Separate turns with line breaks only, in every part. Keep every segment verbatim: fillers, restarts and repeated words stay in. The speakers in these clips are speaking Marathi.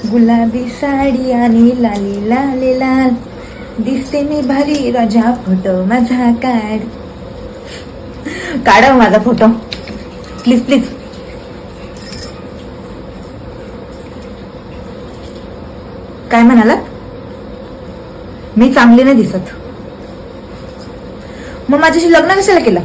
गुलाबी साडी आणि लाली लाले लाल, दिसते मी भारी राजा, फोटो माझा काढ. काढ माझा फोटो प्लीज प्लीज. काय म्हणालात? मी चांगली नाही दिसत? मग माझ्याशी लग्न कशाला केलं?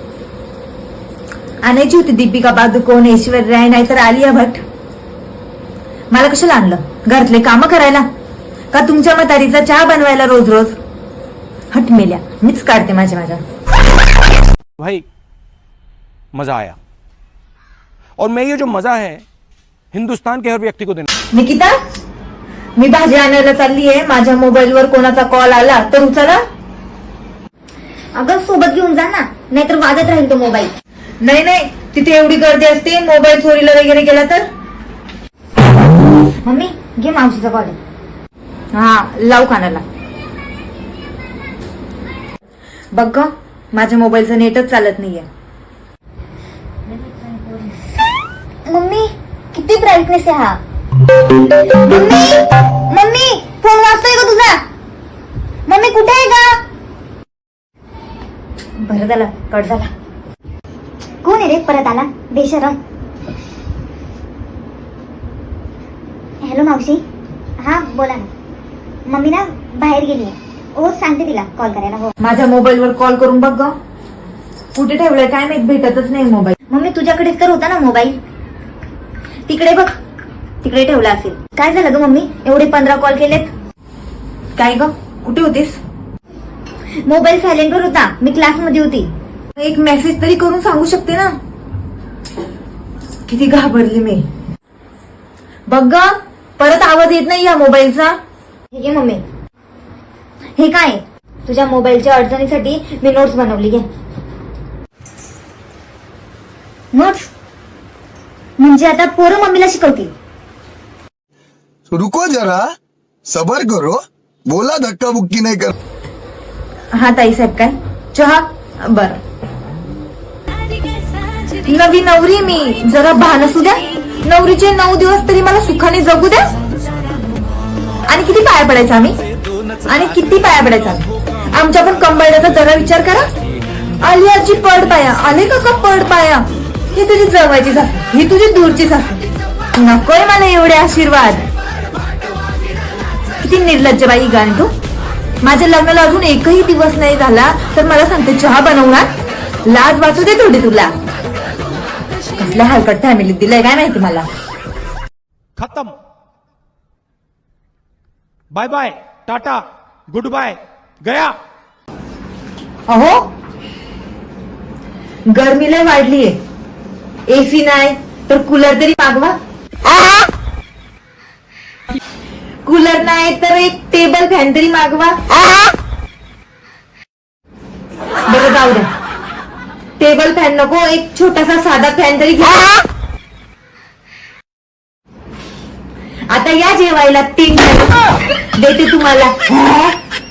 आणायची होती दीपिका पादुकोण, ऐश्वर्या राय, नाहीतर आलिया भट्ट. मला कशाला आणलं? घरातले काम करायला का तुमच्या म्हातारीचा चहा बनवायला रोज रोज? हट मेल्या, मीच काढते माझ्या माझ्या.
भाई मजा आया, और मैं ये जो मजा है हिंदुस्तान के हर व्यक्ति को देना.
निकिता, मी भाजी आणायला चालली आहे. माझ्या मोबाईलवर कोणाचा कॉल आला तर उचला.
अगं सोबत घेऊन जा ना, नाहीतर वाजत राहील तो मोबाईल.
नाही नाही, तिथे एवढी गर्दी असते, मोबाईल चोरीला वगैरे गेला तर?
मम्मी घे, मावशीचा कॉल.
हा लाव कानाला. बघ ग, माझ्या मोबाईलचं नेटच चालत नाहीये.
मम्मी किती ब्राईटनेस आहे हा. मम्मी मम्मी फोन वाजतोय का तुझा? मम्मी कुठे आहे का? बरं झालं कट झाला. कोण आहे रे परत आला बेशरम? हॅलो मावशी. हा बोला ना. मम्मी ना बाहेर गेली आहे. हो सांगते तिला कॉल करायला. हो
माझ्या मोबाईलवर कॉल करून बघ ग, कुठे ठेवलंय काय माहित, भेटतच नाही मोबाईल.
मम्मी तुझ्याकडेच तर होता ना मोबाईल. तिकडे बघ, तिकडे ठेवला असेल. काय झालं ग मम्मी, एवढे पंधरा कॉल केलेत?
काय ग, कुठे होतीस?
मोबाईल सायलेंटवर होता, मी क्लासमध्ये होती.
एक मेसेज तरी करून सांगू शकते ना. किती घाबरली मी. बघ ग, परत आवाज येत नाही या मोबाईलचा.
ठीक आहे मम्मी. हे काय, तुझ्या मोबाईलच्या अडचणीसाठी मी नोट्स बनवली. घे नोट्स. म्हणजे आता पोरं मम्मीला शिकवतील.
रुको जरा, सबर करो, बोला धक्का बुक्की नहीं कर.
हा ताई साहेब, काय चहा? बर. नवी नवरी मी, जरा भान असू द्या. नवरीचे नऊ दिवस तरी मला सुखाने जगू द्या. आणि किती पाया पडायचा आम्ही, आणि किती पाया पडायचा आमच्या पण कंबाळ्याचा जरा विचार करा. आलियाची पड पाया, आले का का पड पाया? ही तुझी जवळची सासू, ही तुझी दूरची सासू. नकोय मला एवढे आशीर्वाद. किती निर्लज्ज बाई गाण तू. माझ्या लग्नाला अजून एकही दिवस नाही झाला तर मला सांगते चहा बनवणार. लाज वाटू दे थोडी तुला. कसल्या हलकट फॅमिलीत दिलंय काय माहिती मला.
खत्म. Bye bye, tata, good bye, गया.
अहो, गर्मी लय वाढलीये. एसी नाही तर कूलर तरी मागवा. कूलर नाही तर एक टेबल फॅन तरी मागवा. बरं जाऊ द्या, टेबल फॅन नको, एक छोटासा साधा फॅन तरी घ्या. आता या जेवायला तीन देते तुम्हाला.